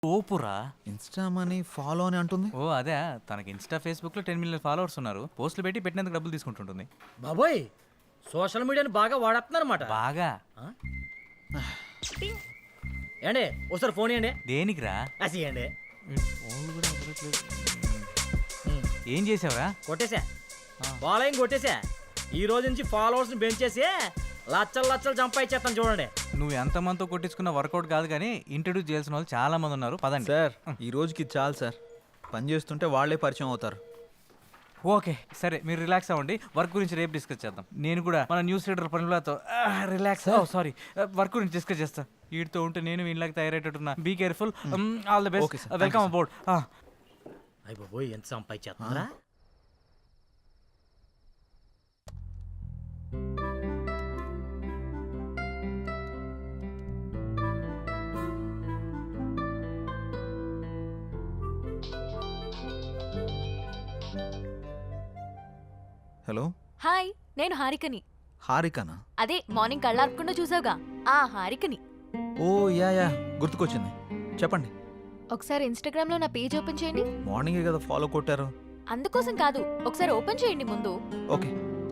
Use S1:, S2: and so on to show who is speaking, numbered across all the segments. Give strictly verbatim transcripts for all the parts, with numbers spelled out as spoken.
S1: ఓపురా
S2: Insta money follow అని అంటుంది.
S1: ఓ అదే తనకి ఇన్స్టా ఫేస్బుక్ లో టెన్ మిలియన్ ఫాలోవర్స్ ఉన్నారు. పోస్టులు పెట్టి పెట్టినందుకు డబ్బులు తీసుకుంటుంటుంది.
S3: బాబోయ్ సోషల్ మీడియాని బాగా వాడేస్తున్నారన్నమాట.
S1: బాగా
S3: ఏండి ఒకసారి ఫోన్ ఇవ్వండి.
S1: దేనికిరా?
S3: అసియండి.
S1: ఏం చేసావురా?
S3: కొట్టేశా, ఫాలోయింగ్ కొట్టేశా. ఈ రోజు నుంచి ఫాలోవర్స్ ని పెంచేసి లచ్చలు లచ్చలు సంపాదించేస్తాను చూడండి.
S1: నువ్వు ఎంత మందితో కొట్టించుకున్న వర్కౌట్ కాదు కానీ ఇంట్రడ్యూస్ చేయాల్సిన వాళ్ళు చాలా మంది ఉన్నారు. పదండి
S2: సార్ ఈ రోజుకి చాలు సార్, పని చేస్తుంటే వాళ్ళే పరిచయం అవుతారు.
S1: ఓకే సరే, మీరు రిలాక్స్ అవ్వండి. వర్క్ గురించి రేపు డిస్కస్ చేద్దాం. నేను కూడా మన న్యూస్ రీడర్ పనులతో రిలాక్స్ సారీ వర్క్ గురించి డిస్కస్ చేస్తా. వీటితో ఉంటే నేను వీళ్ళకి తయారయ్యేటట్టున్నా. Be careful. All the best. Welcome about.
S3: అయ్య బాబోయ్ ఎంత సంపాదించేస్తున్నారా.
S2: హలో
S4: హాయ్, నేను హారికని.
S2: హారికనా?
S4: అదే మార్నింగ్ కళ్ళార్పకుండా చూసావుగా ఆ హారికని.
S2: ఓ యా యా గుర్తుకొచ్చింది, చెప్పండి.
S4: ఒకసారి ఇన్స్టాగ్రామ్ లో నా పేజ్ ఓపెన్ చేయండి.
S2: మార్నింగే కదా ఫాలో కొట్టారు.
S4: అందుకోసం కాదు, ఒకసారి ఓపెన్ చేయండి ముందు.
S2: ఓకే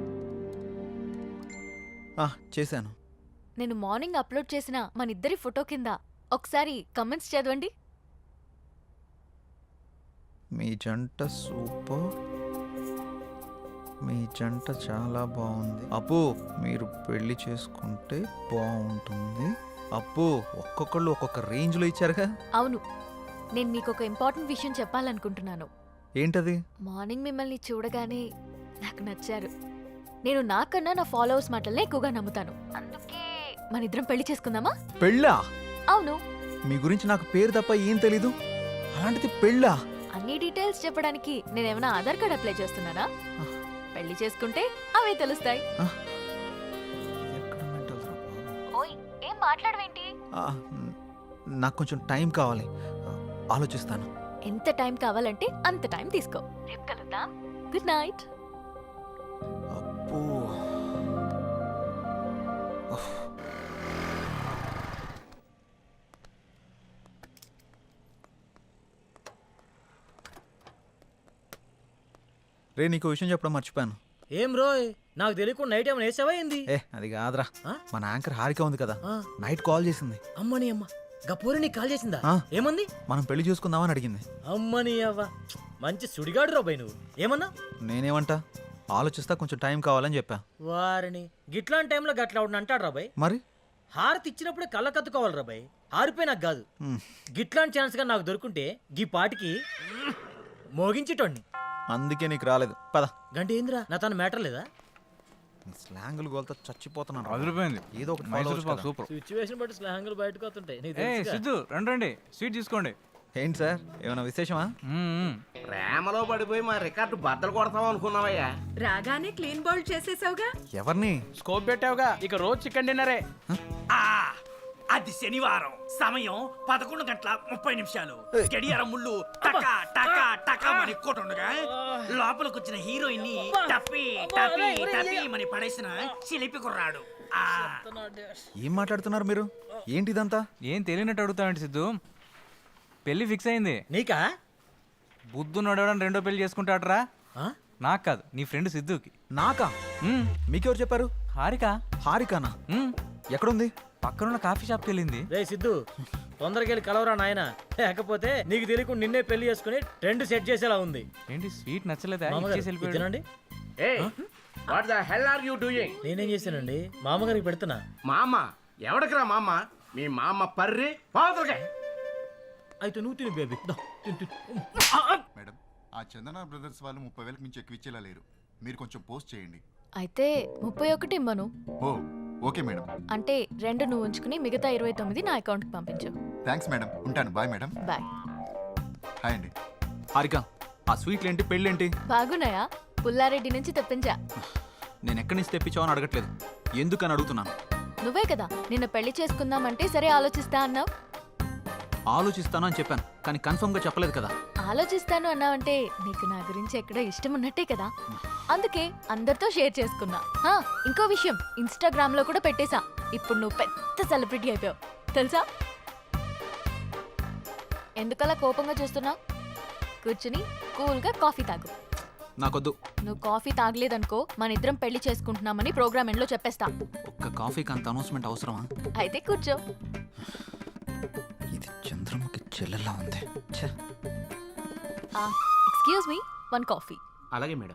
S2: చేశాను.
S4: నేను మార్నింగ్ అప్లోడ్ చేసిన మన ఇద్దరి ఫోటో కింద ఒకసారి కమెంట్స్ చదవండి.
S2: మీ జంట సూపర్, మీ జంట చాలా బాగుంది. అప్పు మీరు పెళ్లి చేసుకుంటే బాగుంటుంది. అప్పు ఒక్కొక్కళ్ళు ఒక్కొక్క రేంజ్లో ఇచ్చారుగా.
S4: అవును, నేను మీకు ఒక ఇంపార్టెంట్ విషయం చెప్పాలనుకుంటున్నాను.
S2: ఏంటది?
S4: మార్నింగ్ మిమ్మల్ని చూడగానే నాకు నచ్చారు. నేను నాకన్నా నా ఫాలోవర్స్ మాటలనే ఎక్కువగా నమ్ముతాను. అందుకే మన ఇద్దరం పెళ్లి చేసుకుందామా?
S2: పెళ్ళా?
S4: అవును.
S2: మీ గురించి నాకు పేరు తప్ప ఏం తెలీదు, అలాంటిది పెళ్ళా?
S4: అన్ని డీటెయిల్స్ చెప్పడానికి నేనేమైనా ఆధార్ కార్డ్ అప్లై చేస్తున్నానా? పెళ్లి చేసుకుంటే అవే తెలుస్తాయి. ఓయ్ ఏం మాట్లాడవేంటి?
S2: నాకు కొంచెం టైం కావాలి, ఆలోచిస్తాను.
S4: ఎంత టైం కావాలంటే అంత టైం తీసుకో. రేపు కలుద్దాం. Good night.
S2: అబ్బో రే, నీకు విషయం చెప్పడం మర్చిపోయాను.
S3: ఏం రోయ్, నాకు తెలియకుండా నైట్ ఏమైనా వేసావా ఏంది?
S2: ఏ అది కాదురా, మన యాంకర్ హారిక ఉంది కదా,
S3: ఆ.
S2: నైట్ కాల్ చేసింది.
S3: అమ్మని అమ్మ గపూరి నీకు కాల్ చేసిందా?
S2: ఆ.
S3: ఏమంది?
S2: మనం పెళ్లి చూసుకుందామని అడిగింది.
S3: అమ్మని అవ్వ మంచి సుడిగాడు రాబాయ్ నువ్వు. ఏమన్నా?
S2: నేనేమంటా, ఆలోచిస్తా, కొంచెం టైం కావాలని చెప్పా.
S3: వారిని గిట్లాంటి టైంలో గట్లా అవును అంటాడు రాబాయ్.
S2: మరి
S3: హారతి ఇచ్చినప్పుడే కళ్ళ కత్తుకోవాలి రాబాయ్. హారిపోయి నాకు కాదు.
S2: మ్,
S3: గిట్లాంటి ఛాన్స్ గా నాకు దొరుకుంటే గీ పాటికి మోగించేటోడిని.
S2: అందుకే నీకు రాలేదు. పద.
S3: గంట ఏందిరా, నా తన మ్యాటర్ లేదా?
S2: స్లాంగులు గోల్తో చచ్చిపోతున్నాను.
S1: అదిరిపోయింది.
S2: ఏదో ఒకటి
S1: మైసూర్
S2: follow
S1: పాక్
S2: అవ్వచ్చు
S1: సూపర్.
S3: సిచ్యువేషన్ బట్టి స్లాంగులు బయటకు వస్తుంటాయి. నీకు
S1: ఏ
S3: తెలుసుగా.
S1: సిద్ధు రండి రండి, స్వీట్ తీసుకోండి.
S2: కదా. ఏంటి సార్, ఏమైనా విశేషమా?
S1: మ్మ్, మ్మ్.
S5: ప్రేమలో పడిపోయి మా రికార్డు బద్దలు కొడతాం అనుకున్నావయ్యా.
S6: రాగానే క్లీన్ బౌల్ చేసేసావుగా.
S2: ఎవరిని?
S7: స్కోప్ పెట్టావుగా, ఇక రోజు చికెన్ డిన్నరే.
S8: అది శనివారం, సమయం పదకొండు గంటల ముప్పై నిమిషాలు. గడియారం ముళ్ళు టకా టకా టకా అని కొట్టుండగా లోపలికి వచ్చిన హీరోయిన్ ని టపి టపి టపి అని పడేసిన చిలిపి కుర్రాడు. ఆ
S2: ఏం మాట్లాడుతున్నారు మీరు? ఏంటిదంతా?
S1: ఏం తెలియనట్టు అడుగుతావండి సిద్ధు. పెళ్లి ఫిక్స్ అయింది.
S3: నీకా?
S1: బుద్ధు నడవడం రెండో పెళ్లి చేసుకుంటాడరా.
S3: ఆ?
S1: నాకు కాదు, నీ ఫ్రెండ్ సిద్ధుకి.
S2: నాకా?
S1: మ్మ్.
S2: మీకెవరు చెప్పారు?
S1: హారిక.
S2: హారికానా?
S1: మ్మ్.
S2: ఎక్కడుంది?
S1: పక్కనున్న కాఫీ షాప్కి వెళ్ళింది.
S3: రే సిద్ధు, తొందరగా వెళ్ళి కలవరా నాయన. లేకపోతే నీకు తెలియకుండా నిన్నే పెళ్లి చేసుకుని ట్రెండ్ సెట్ చేసేలా ఉంది.
S1: ఏంటి స్వీట్ నచ్చలేదా?
S3: మామగారు,
S1: ఇచ్చేసి వెళ్ళిపోయాడు.
S3: ఇదేనండి.
S5: ఏయ్, what the hell are you doing?
S3: నేనేం చేశానండి? మామగారికి పెడుతున్నా.
S5: మా అమ్మ ఎవడికిరా మా అమ్మ? మీ మా అమ్మ పర్రి పావుతులకే.
S3: అయితే నువ్వు తిని బేబీ. దా, తిను, తిను.
S9: మేడం, ఆ చందన బ్రదర్స్ వాళ్ళు ముప్పై వేలకు మించి ఎక్కువ ఇచ్చేలా లేరు. మీరు కొంచెం పోస్ట్ చేయండి.
S4: అయితే ముప్పై ఒకటి ఇమ్మను.
S9: ఓ ఓకే మేడం.
S4: అంటే రెండు నువ్వు ఉంచుకుని మిగతా ఇరవై తొమ్మిది నా అకౌంట్కి పంపించు.
S9: థ్యాంక్స్ మేడం, ఉంటాను. Bye madam.
S4: బాయ్.
S9: హాయ్ అండి.
S2: హారిక, ఆ స్వీట్లేంటి, పెళ్ళేంటి?
S4: బాగున్నాయా? పుల్లారెడ్డి నుంచి తెప్పించా.
S2: నేను ఎక్కడి నుంచి తెప్పించావని అడగట్లేదు, ఎందుకని అడుగుతున్నాను.
S4: నువ్వే కదా నిన్న పెళ్లి చేసుకుందామంటే సరే ఆలోచిస్తా అన్నావు.
S2: ఆలోచిస్తాను అని చెప్పాను, కానీ కన్ఫర్మ్ గా చెప్పలేదు కదా.
S4: ఆలోచిస్తాను అన్నావంటే నీకు నా గురించి ఎక్కడో ఇష్టం ఉన్నట్టే కదా. అందుకే అందరితో షేర్ చేసుకున్నా. హా, ఇంకో విషయం, ఇన్స్టాగ్రామ్ లో కూడా పెట్టేశా. ఇప్పుడు నువ్వు పెద్ద సెలబ్రిటీ అయిపోయావు తెలుసా. ఎందుకలా కోపంగా చూస్తున్నావు? కూర్చుని కూల్గా కాఫీ తాగు.
S2: నాకొద్దు.
S4: నువ్వు కాఫీ తాగలేదనుకో మన ఇద్దరం పెళ్లి చేసుకుంటున్నామని ప్రోగ్రామ్ ఎండ్లో చెప్పేస్తా.
S2: ఒక్క కాఫీకి అంత అనౌన్స్మెంట్ అవసరమా?
S4: అయితే కూర్చో.
S2: ఇది చంద్రముఖి చెల్లెలా ఉంది. ఛే.
S4: Excuse me, one coffee.
S5: అలాగే మేడం.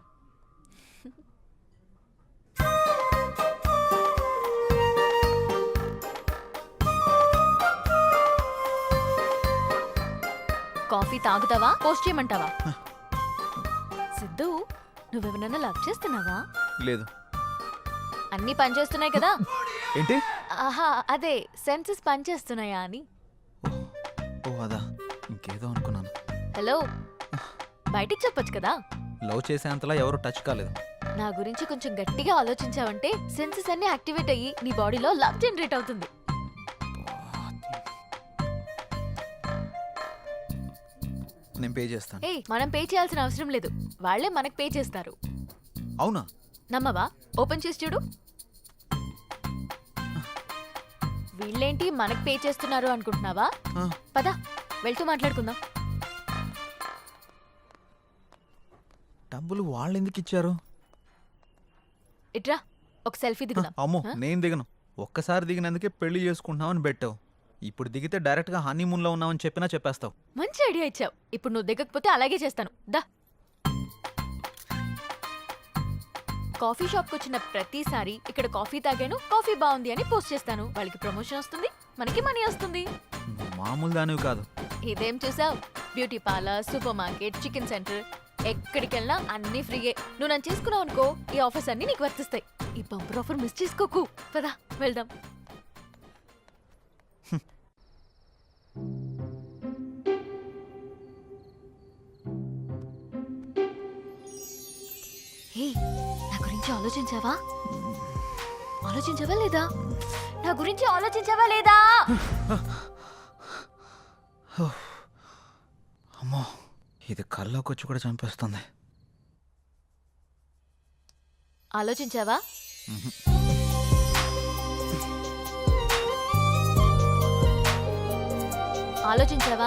S4: కాఫీ తాగుతావా పోస్ట్ చేయమంటావా? సిద్ధు, నువ్వెవరన్నా లవ్ చేస్తున్నావా?
S2: లేదు.
S4: అన్నీ పనిచేస్తున్నాయి కదా?
S2: ఏంటి?
S4: ఆహా, అదే సెన్సెస్ పనిచేస్తున్నాయా అని.
S2: ఓ అదా, ఇంకేదో అనుకున్నాను.
S4: హలో, బయటికి చెప్పొచ్చు కదా.
S2: లవ్ చేసేంతలా ఎవరు టచ్ కాలేదు.
S4: నా గురించి కొంచెం గట్టిగా ఆలోచించావంటే సెన్సెస్ అన్ని యాక్టివేట్ అయ్యి నీ బాడీలో లవ్ జనరేట్ అవుతుంది.
S2: నేను పే చేస్తాను.
S4: ఏ మనం పే చేయాల్సిన అవసరం లేదు, వాళ్ళే మనకు పే చేస్తారు.
S2: అవునా?
S4: నమ్మవా? ఓపెన్ చేసి చూడు. వీళ్ళేంటి మనకు పే చేస్తున్నారు అనుకుంటున్నావా?
S2: ఆ.
S4: పద వెళ్తూ మాట్లాడుకుందాం.
S2: డబ్బులు వాళ్ళు ఎందుకు ఇచ్చారు?
S4: ఇట్రా, ఒక సెల్ఫీ దిగుదాం.
S2: అమ్మో,
S4: ఆ?
S2: నేను దిగను. ఒక్కసారి దిగినందుకే పెళ్లి చేసుకుంటున్నామని పెట్టావు. ఇప్పుడు దిగితే డైరెక్ట్గా హనీమూన్లో ఉన్నామని చెప్పినా చెప్పేస్తావు.
S4: మంచి ఐడియా ఇచ్చావు. ఇప్పుడు నువ్వు దిగకపోతే అలాగే చేస్తాను. దా. కాఫీ షాప్కి వచ్చిన ప్రతిసారి ఇక్కడ కాఫీ తాగాను, కాఫీ బాగుంది అని పోస్ట్ చేస్తాను. వాళ్ళకి ప్రమోషన్ వస్తుంది, మనకి మనీ వస్తుంది.
S2: నువ్వు మామూలు దానివి కాదు.
S4: ఇదేం చూసావు? Beauty parlour, supermarket, chicken centre, ఎక్కడికి వెళ్ళినా అన్ని ఫ్రీయే. నువ్వు నన్ను చేసుకున్నావు అనుకో, ఈ ఆఫర్స్ అన్ని నీకు వర్తిస్తాయి. ఈ బంపర్ ఆఫర్ మిస్ చేసుకోకు. పదా వెళ్దాం. హే, నా గురించి ఆలోచించావా? ఆలోచించావా లేదా? నా గురించి ఆలోచించావా లేదా?
S2: అమ్మో, ఇది కల్లోకి వచ్చి కూడా చంపేస్తుంది.
S4: ఆలోచించావా? ఆలోచించావా?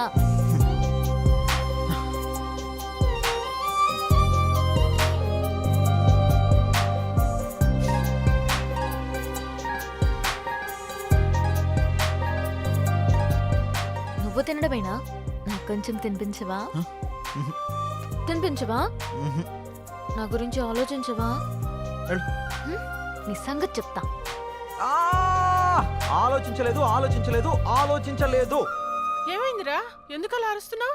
S4: నువ్వు తినడమేనా? నాకు కొంచెం తినిపించవా? తినిపించవా?
S2: మ్హూ.
S4: నా గురించి ఆలోచించవా?
S2: వెళ్ళు.
S4: హ్మ్? నీ సంగతి చెప్తా.
S2: ఆ! ఆలోచించలేదు ఆలోచించలేదు ఆలోచించలేదు.
S6: ఏమైందిరా? ఎందుకు అలా అరుస్తున్నావు?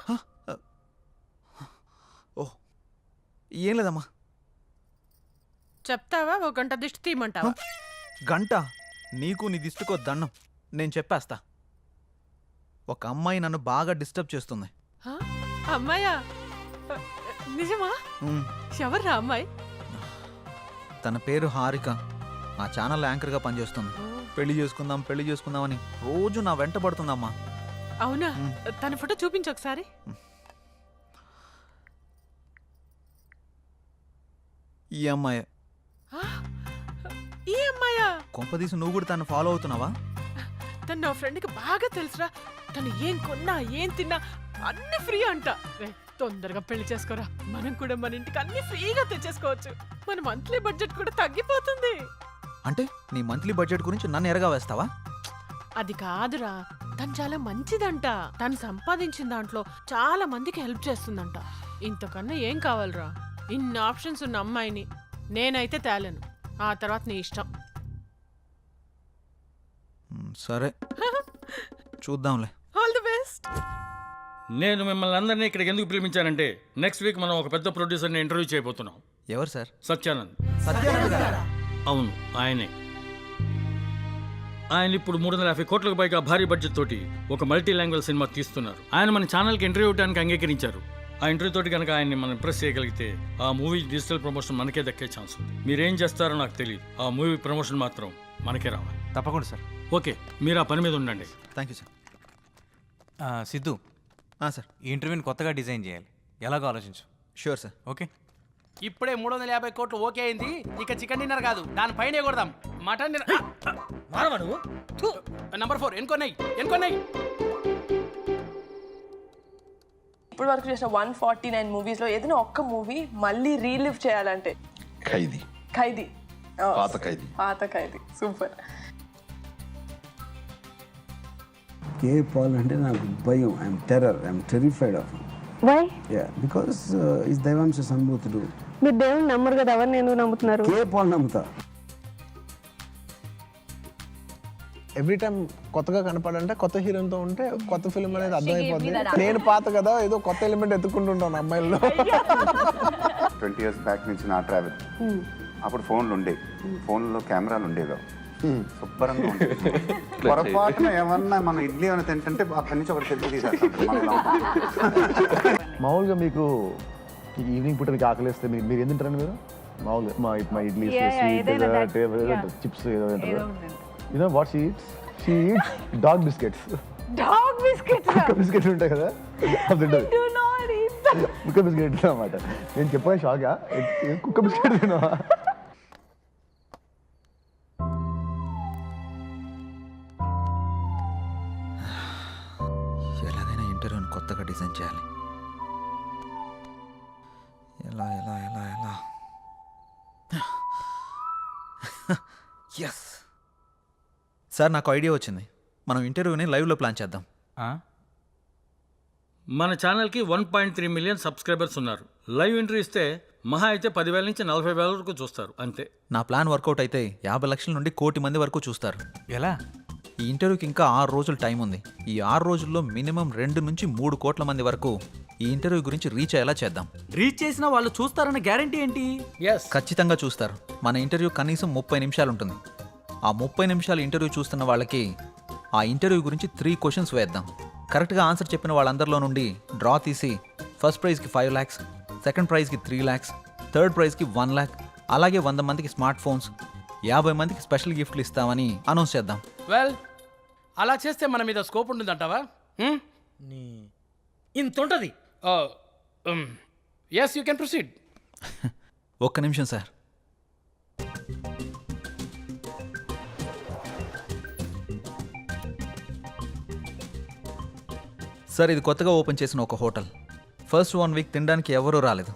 S2: ఓ ఏం లేదమ్మా.
S6: చెప్తావా? ఒక గంట దిష్టి తీయమంటావా?
S2: గంట? నీకు నీ దిష్టికో దండం. నేను చెప్పేస్తా. ఒక అమ్మాయి నన్ను బాగా డిస్టర్బ్ చేస్తుంది.
S6: హ? అమ్మాయా? నిజమా?
S2: ఉమ్,
S6: ఎవర్రా అమ్మాయి?
S2: తన పేరు హారిక. ఆ ఛానల్ యాంకర్గా పనిచేస్తుంది. పెళ్లి చేసుకుందాం పెళ్లి చేసుకుందాం అని రోజు నా వెంట పడుతుందమ్మా.
S6: అవునా?
S2: మ్.
S6: తన ఫోటో చూపించు ఒకసారి.
S2: ఈ అమ్మాయి.
S6: ఆ? ఈ అమ్మాయా?
S2: కొంపదీసి నువ్వు కూడా తను ఫాలో అవుతున్నావా?
S6: తను నా ఫ్రెండ్కి బాగా తెలుసురా. తను ఏం కొన్నా ఏం తిన్నా అన్ని ఫ్రీ అంట. రే, తొందరగా పెళ్లి చేసుకోరా. మనం కూడా మన ఇంటికి అన్ని ఫ్రీగా తెచ్చేసుకోవచ్చు. మన మంత్లీ బడ్జెట్ కూడా తగ్గిపోతుంది.
S2: అంటే నీ మంత్లీ బడ్జెట్ గురించి నన్ను ఎరగా వేస్తావా?
S6: అది కాదురా, తను చాలా మంచిదంట. తను సంపాదించిన దాంట్లో చాలా మందికి హెల్ప్ చేస్తుందంట. ఇంతకన్నా ఏం కావాలరా? ఇన్ని ఆప్షన్స్ ఉన్న అమ్మాయిని నేనైతే తేలేను. ఆ తర్వాత నీ ఇష్టం.
S2: మ్, సరే చూద్దాంలే.
S6: All the best.
S10: నేను మిమ్మల్ని అందరినీ ఇక్కడికి ఎందుకు పిలిపించానంటే నెక్స్ట్ వీక్ మనం ఒక పెద్ద ప్రొడ్యూసర్ని ఇంటర్వ్యూ చేయబోతున్నాం.
S2: ఎవరు సార్?
S10: సత్యానంద్.
S2: సత్యానంద్ గారా?
S10: అవును, ఆయనే. ఆయన ఇప్పుడు మూడు వందల యాభై కోట్లకు పైగా భారీ బడ్జెట్ తోటి ఒక మల్టీ లాంగ్వేజ్ సినిమా తీస్తున్నారు. ఆయన మన ఛానల్కి ఇంటర్వ్యూ ఇవ్వడానికి అంగీకరించారు. ఆ ఇంటర్వ్యూ తోటి కనుక ఆయన్ని మనం ఇంప్రెస్ చేయగలిగితే ఆ మూవీ డిజిటల్ ప్రమోషన్ మనకే దక్కే ఛాన్స్ ఉంది. మీరేం చేస్తారో నాకు తెలియదు. ఆ మూవీ ప్రమోషన్ మాత్రం మనకే రావాలి.
S1: తప్పకుండా సార్.
S10: ఓకే, మీరు ఆ పని మీద ఉండండి.
S2: Thank you sir.
S1: ఆ, సిద్ధు,
S2: ఆ, సార్
S1: ఈ ఇంటర్వ్యూని కొత్తగా డిజైన్ చేయాలి. ఎలాగో ఆలోచించు.
S2: Sure sir.
S1: ఓకే.
S7: ఇప్పుడే మూడు వందల యాభై కోట్లు ఓకే అయింది. ఇక చికెన్ డిన్నర్ కాదు, దానిపైనే కొడదాం. Mutton dinner.
S3: మానవా నువ్వు? థు.
S7: నంబర్ ఫోర్ ఎన్కొన్నాయి ఎన్కొన్నాయి.
S11: ఇప్పుడు వరకు చేసిన వన్ ఫార్టీ నైన్ మూవీస్లో ఏదైనా ఒక్క మూవీ మళ్ళీ రీలివ్ చేయాలంటే?
S9: ఖైదీ.
S11: ఖైదీ. Oh,
S9: పాత ఖైదీ.
S11: పాత ఖైదీ. సూపర్.
S12: కే పాల్ అంటే నాకు భయం. I'm terror. I'm terrified of him.
S11: Why?
S12: Yeah because is దైవాంశ సంభూతుడు.
S11: మీరు దేవుని నమ్మరు కదా, ఎవరిని ఎందుకు నమ్ముతున్నారు?
S12: కే పాల్ నమ్ముతా.
S13: ఎవ్రీ టైం కొత్తగా కనపడంటే కొత్త హీరోతో ఉంటే కొత్త ఫిల్మ్ అనేది అర్థమైపోద్ది. నేను పాత కదా, ఏదో కొత్త ఎలిమెంట్ ఎత్తుకుంటుంటాను అమ్మాయిల్లో.
S9: ట్వంటీ ఇయర్స్ బ్యాక్ నుంచి నా ట్రావెల్. అప్పుడు ఫోన్లు ఉండేవి, ఫోన్లో కెమెరాలు ఉండేవి, శుభ్రంగా ఉండేవి. పొరపాటున ఏమన్నా మనం ఇడ్లీ ఏమైనా తింటుంటే అక్కడి నుంచి ఒకటి సెల్ఫీ తీసేస్తాం.
S13: మామూలుగా మీకు ఈవినింగ్ పూట మీకు ఆకలిస్తే మీరు మీరు ఏం తింటారండి? మీరు మామూలుగా మా మా ఇడ్లీ చిప్స్ ఏదో తింటారు. You know what she eats? She eats dog biscuits.
S11: Dog biscuits.
S13: కుక్క బిస్కెట్స్ ఉంటాయి కదా, అది తింటది. కుక్క బిస్కెట్ అన్నమాట. నేను చెప్పాను షాగా, కుక్క బిస్కెట్ తిన్నావా?
S2: ఎలాగైనా ఇంటర్వ్యూని కొత్తగా డిజైన్ చేయాలి. ఎలా ఎలా ఎలా ఎలా ఎస్ సార్, నాకు ఐడియా వచ్చింది. మనం ఇంటర్వ్యూని లైవ్లో ప్లాన్ చేద్దాం.
S10: మన ఛానల్కి one point three million subscribers ఉన్నారు. లైవ్ ఎంట్రీ ఇస్తే మహా అయితే పదివేల నుంచి నలభై వేల వరకు చూస్తారు అంతే.
S2: నా ప్లాన్ వర్కౌట్ అయితే యాభై లక్షల నుండి కోటి మంది వరకు చూస్తారు.
S1: ఎలా?
S2: ఈ ఇంటర్వ్యూకి ఇంకా ఆరు రోజులు టైం ఉంది. ఈ ఆరు రోజుల్లో మినిమం రెండు నుంచి మూడు కోట్ల మంది వరకు ఈ ఇంటర్వ్యూ గురించి రీచ్ అయ్యేలా చేద్దాం.
S8: రీచ్ చేసిన వాళ్ళు చూస్తారన్న గ్యారంటీ ఏంటి?
S10: ఎస్,
S2: ఖచ్చితంగా చూస్తారు. మన ఇంటర్వ్యూ కనీసం ముప్పై నిమిషాలు ఉంటుంది. ఆ ముప్పై నిమిషాలు ఇంటర్వ్యూ చూస్తున్న వాళ్ళకి ఆ ఇంటర్వ్యూ గురించి త్రీ క్వశ్చన్స్ వేద్దాం. కరెక్ట్గా ఆన్సర్ చెప్పిన వాళ్ళందరిలో నుండి డ్రా తీసి ఫస్ట్ ప్రైజ్కి ఫైవ్ ల్యాక్స్, సెకండ్ ప్రైజ్కి త్రీ ల్యాక్స్, థర్డ్ ప్రైజ్కి వన్ ల్యాక్, అలాగే వంద మందికి స్మార్ట్ ఫోన్స్, యాభై మందికి స్పెషల్ గిఫ్ట్లు ఇస్తామని అనౌన్స్ చేద్దాం.
S7: వెల్, అలా చేస్తే మన మీద స్కోప్ ఉంటుందంటావా?
S3: ఇంత ఉంటుంది.
S7: Yes, you can proceed.
S2: ఒక్క నిమిషం సార్. సార్, ఇది కొత్తగా ఓపెన్ చేసిన ఒక హోటల్. ఫస్ట్ వన్ వీక్ తినడానికి ఎవరూ రాలేదు.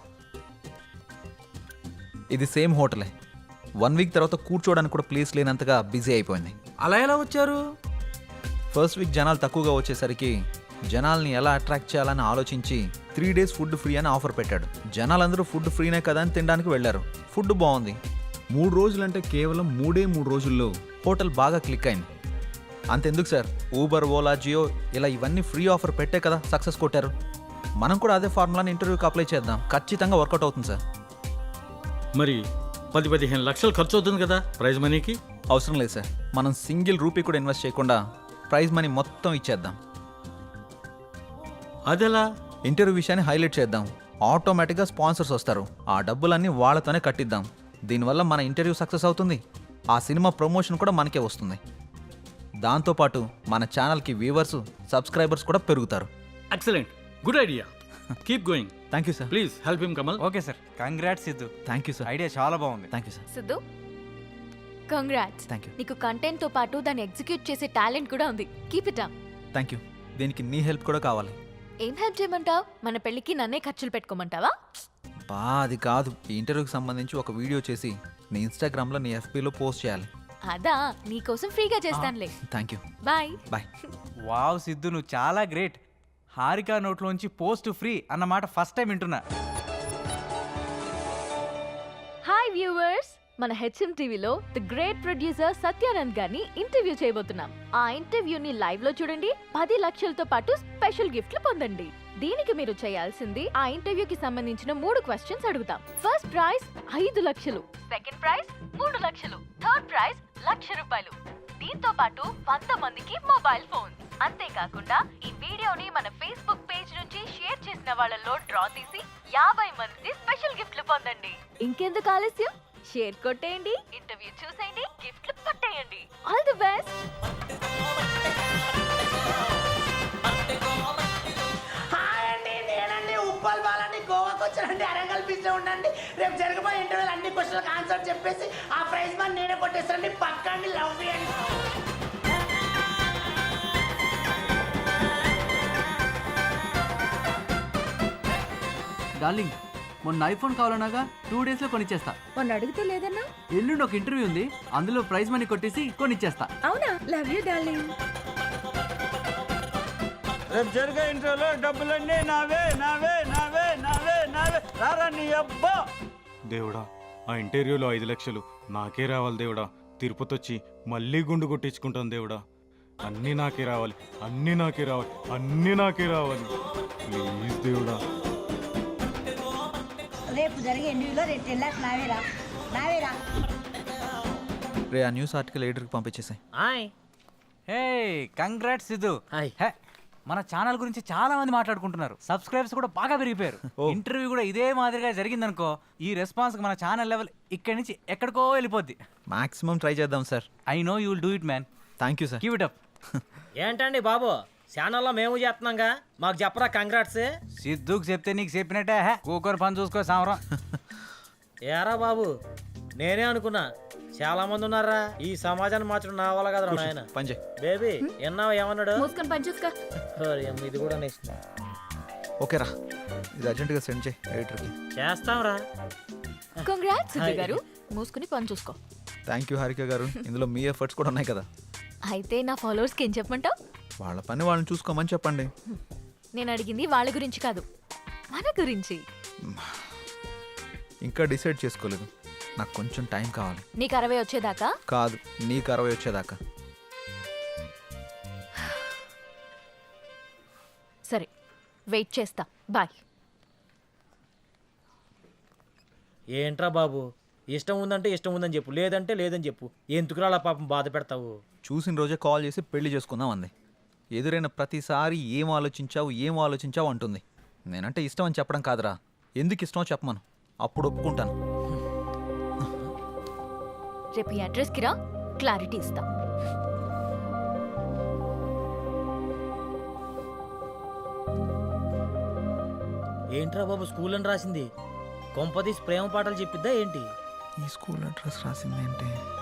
S2: ఇది సేమ్ హోటలే. వన్ వీక్ తర్వాత కూర్చోవడానికి కూడా ప్లేస్ లేనంతగా బిజీ అయిపోయింది.
S8: అలా ఎలా వచ్చారు?
S2: ఫస్ట్ వీక్ జనాలు తక్కువగా వచ్చేసరికి జనాల్ని ఎలా అట్రాక్ట్ చేయాలని ఆలోచించి త్రీ డేస్ ఫుడ్ ఫ్రీ అని ఆఫర్ పెట్టాడు. జనాలందరూ ఫుడ్ ఫ్రీనే కదా అని తినడానికి వెళ్ళారు. ఫుడ్ బాగుంది. మూడు రోజులంటే కేవలం మూడే మూడు రోజుల్లో హోటల్ బాగా క్లిక్ అయింది. అంతెందుకు సార్, ఊబర్, ఓలా, జియో ఇలా ఇవన్నీ ఫ్రీ ఆఫర్ పెట్టే కదా సక్సెస్ కొట్టారు. మనం కూడా అదే ఫార్ములాని ఇంటర్వ్యూకి అప్లై చేద్దాం. ఖచ్చితంగా వర్కౌట్ అవుతుంది సార్.
S10: మరి పది పదిహేను లక్షలు ఖర్చు అవుతుంది కదా ప్రైజ్ మనీకి?
S2: అవసరం లేదు సార్, మనం సింగిల్ రూపీ కూడా ఇన్వెస్ట్ చేయకుండా ప్రైజ్ మనీ మొత్తం ఇచ్చేద్దాం.
S10: అదెలా?
S2: ఇంటర్వ్యూ విషయాన్ని హైలైట్ చేద్దాం. ఆటోమేటిక్గా స్పాన్సర్స్ వస్తారు. ఆ డబ్బులన్నీ వాళ్ళతోనే కట్టిద్దాం. దీనివల్ల మన ఇంటర్వ్యూ సక్సెస్ అవుతుంది. ఆ సినిమా ప్రమోషన్ కూడా మనకే వస్తుంది. దాంతోపాటు మన ఛానల్కి వ్యూవర్స్, సబ్స్క్రైబర్స్ కూడా పెరుగుతారు.
S10: Excellent, good idea. Keep going.
S2: Thank you sir.
S10: Please help him Kamal.
S1: Okay sir, congrats Siddhu.
S2: Thank you sir.
S1: Idea చాలా బాగుంది.
S2: Thank you sir.
S4: Siddhu, congrats.
S2: Thank you.
S4: నీకు కంటెంట్ తో పాటు దాన్ని ఎగ్జిక్యూట్ చేసే టాలెంట్ కూడా ఉంది. Keep it up.
S2: Thank you. దీనికి నీ హెల్ప్ కూడా కావాలి.
S4: ఏం హెల్ప్ చేయమంటావు? మన పెళ్ళికి నన్నే ఖర్చులు పెట్టుకోమంటావా?
S2: బా అది కాదు. ఈ ఇంటర్వ్యూకి సంబంధించి ఒక వీడియో చేసి నీ ఇన్స్టాగ్రామ్లో, నీ ఎఫ్బీలో పోస్ట్ చేయాలి.
S4: అదా, నీకోసం ఫ్రీగా చేస్తానులే.
S2: Thank you.
S4: Bye
S2: bye.
S1: Wow Siddhu, నువ్వు చాలా గ్రేట్. హారిక నోట్లోంచి పోస్ట్ ఫ్రీ అన్నమాట ఫస్ట్ టైం వింటున్నా.
S4: హాయ్ వ్యూవర్స్, మన హెచ్ఎం టీవీలో ది గ్రేట్ ప్రొడ్యూసర్ సత్యానంద్ గారిని ఇంటర్వ్యూ చేయబోతున్నాం. ఆ ఇంటర్వ్యూని లైవ్ లో చూడండి. పది లక్షలతో పాటు స్పెషల్ గిఫ్ట్లు పొందండి. దీనికి మీరు చేయాల్సింది, ఆ ఇంటర్వ్యూకి సంబంధించిన మూడు క్వశ్చన్స్ అడుగుతాం. ఫస్ట్ ప్రైజ్ ఐదు లక్షలు, సెకండ్ ప్రైజ్ మూడు లక్షలు, థర్డ్ ప్రైజ్ లక్ష రూపాయలు. దీంతో పాటు వంద మందికి మొబైల్ ఫోన్. అంతేకాకుండా ఈ వీడియోని మన ఫేస్బుక్ పేజ్ నుంచి షేర్ చేసిన వాళ్ళలో డ్రా తీసి యాభై మంది స్పెషల్ గిఫ్ట్లు పొందండి. ఇంకెందుకు ఆలస్యం, షేర్ కొట్టేయండి, ఇంటర్వ్యూ చూసేయండి, గిఫ్ట్లు పట్టేయండి. All the best.
S8: ఉప్పల్ బాలని గోవాకి వచ్చానండి. అరంగల్ బీచ్ లో ఉండండి. రేపు జరగబోయే ఇంటర్వ్యూలు అన్ని క్వశ్చన్లకు ఆన్సర్ చెప్పేసి ఆ ప్రైజ్ మనీ నేనే కొట్టేస్తానండి. పక్కండి, లవ్ చేయండి.
S3: డార్లింగ్ మొన్న ఐఫోన్ కావాలన్నాగా టూ డేస్ లో కొనిచ్చేస్తా.
S4: మొన్న అడిగితే లేదన్నా?
S3: ఎల్లుండి ఒక ఇంటర్వ్యూ ఉంది, అందులో ప్రైజ్ మనీ కొట్టేసి కొనిచ్చేస్తా.
S4: అవునా? Love you darling.
S8: రేపు జరిగే ఇంటర్వ్యూలో డబ్బులన్నీ నావే నావే నావే నావే నావే రారా నీ అబ్బా.
S10: దేవుడా, ఆ ఇంటర్వ్యూలో ఐదు లక్షలు నాకే రావాలి దేవుడా. తిరుపతి వచ్చి మళ్ళీ గుండు కొట్టించుకుంటాను దేవుడా. అన్నీ నాకే రావాలి, అన్నీ నాకే రావాలి, అన్నీ నాకే రావాలి. ప్లీజ్ దేవుడా.
S11: రేపు జరిగే ఇంటర్వ్యూలో రేపు టెన్ లాక్స్ నావేరా నావేరా.
S2: రే ఆ న్యూస్ ఆర్టికల్ ఎడిటర్కి పంపించేసాయి.
S3: Hi.
S1: Hey congrats Siddhu.
S3: Hi.
S1: Hey, మన ఛానల్ గురించి చాలా మంది మాట్లాడుకుంటున్నారు. సబ్స్క్రైబర్స్ కూడా బాగా పెరిగిపోయారు. ఇంటర్వ్యూ కూడా ఇదే మాదిరిగా జరిగిందనుకో, ఈ రెస్పాన్స్ మన ఛానల్ లెవెల్ ఇక్కడి నుంచి ఎక్కడికో వెళ్ళిపోద్ది.
S2: మాక్సిమం ట్రై చేద్దాం sir.
S1: I know you will do it man.
S2: Thank you sir.
S1: Keep it up.
S3: ఏంటండి బాబు, ఛానల్లో మేము చేస్తున్నాంగా, మాకు చెప్పరా కంగ్రాట్స్.
S1: సిద్ధుకు చెప్తే నీకు చెప్పినట్టే. హే, కూకొని పని చూసుకో సామరం.
S3: ఏరా బాబు, నేనే అనుకున్నా చాలా మంది ఉన్నారా ఈ సమాజాన్ని మార్చడం నా వల్ల కదా నాయన.
S2: పని చేయి.
S3: బేబీ ఎన్నావు ఏమన్నాడు?
S4: మూసుకొని పని చూసుకో.
S3: ఓరి అమ్మ, ఇది కూడా నెక్స్ట్
S2: ఓకే రా, ఇది అర్జెంటుగా సెండ్ చేయి ఎడిటర్కి.
S3: చేస్తాంరా.
S4: కంగ్రాట్స్ సిద్ధు గారు. మూసుకుని పని చూసుకో.
S2: థ్యాంక్ యూ హారిక గారు, ఇందులో మీ ఎఫర్ట్స్ కూడా ఉన్నాయి కదా.
S4: అయితే నా ఫాలోవర్స్కి ఏం చెప్పమంటావు?
S2: వాళ్ళ పని వాళ్ళని చూసుకోమని చెప్పండి.
S4: నేను అడిగింది వాళ్ళ గురించి కాదు, మన గురించి.
S2: ఇంకా డిసైడ్ చేసుకోలేదు, నాకు కొంచెం టైం కావాలి.
S4: నీకు అరవై వచ్చేదాకా?
S2: కాదు, నీకు అరవై వచ్చేదాకా.
S4: సరే, వెయిట్ చేస్తా. బాయ్.
S3: ఏంట్రా బాబు, ఇష్టం ఉందంటే ఇష్టం ఉందని చెప్పు, లేదంటే లేదని చెప్పు. ఎందుకురా అలా పాపం బాధ పెడతావు?
S2: చూసిన రోజే కాల్ చేసి పెళ్లి చేసుకుందాం అంది. ఎదురైన ప్రతిసారి ఏం ఆలోచించావు ఏం ఆలోచించావు అంటుంది. నేనంటే ఇష్టం అని చెప్పడం కాదురా, ఎందుకు ఇష్టమో చెప్పమను, అప్పుడు ఒప్పుకుంటాను.
S4: రేపు ఈ అడ్రస్కి రా, క్లారిటీ ఇస్తా.
S3: ఏంట్రా బాబు స్కూల్ అని రాసింది? కొంపదీసి ప్రేమ పాటలు చెప్పిద్దా ఏంటి?
S2: ఈ స్కూల్ అడ్రస్ రాసింది ఏంటి?